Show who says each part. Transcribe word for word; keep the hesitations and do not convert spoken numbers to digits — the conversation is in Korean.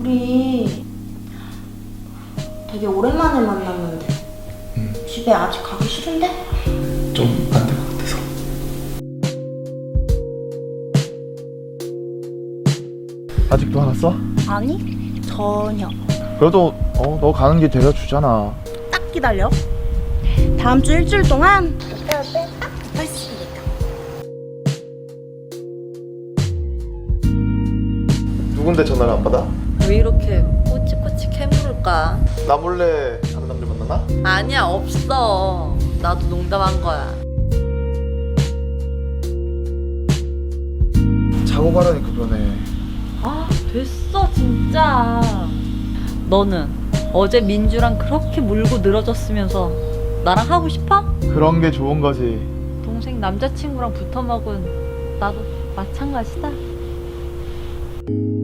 Speaker 1: 우리 되게 오랜만에 만났는데
Speaker 2: 응.
Speaker 1: 집에 아직 가기 싫은데?
Speaker 2: 좀 안 될 것 같아서. 아직도 안 왔어?
Speaker 1: 아니, 전혀.
Speaker 2: 그래도 어, 너 가는 길 데려주잖아.
Speaker 1: 딱 기다려. 다음 주 일주일 동안 오빠 옆에 딱 붙어있으니까.
Speaker 2: 누군데 전화를 안 받아?
Speaker 3: 왜 이렇게 꼬치꼬치 캐물을까?
Speaker 2: 나 몰래 다른 남자 만나나?
Speaker 3: 아니야, 없어. 나도 농담한 거야.
Speaker 2: 자고 가라니까 그러네.
Speaker 3: 아, 됐어 진짜. 너는 어제 민주랑 그렇게 물고 늘어졌으면서 나랑 하고 싶어?
Speaker 2: 그런 게 좋은 거지.
Speaker 3: 동생 남자친구랑 붙어먹은 나도 마찬가지다.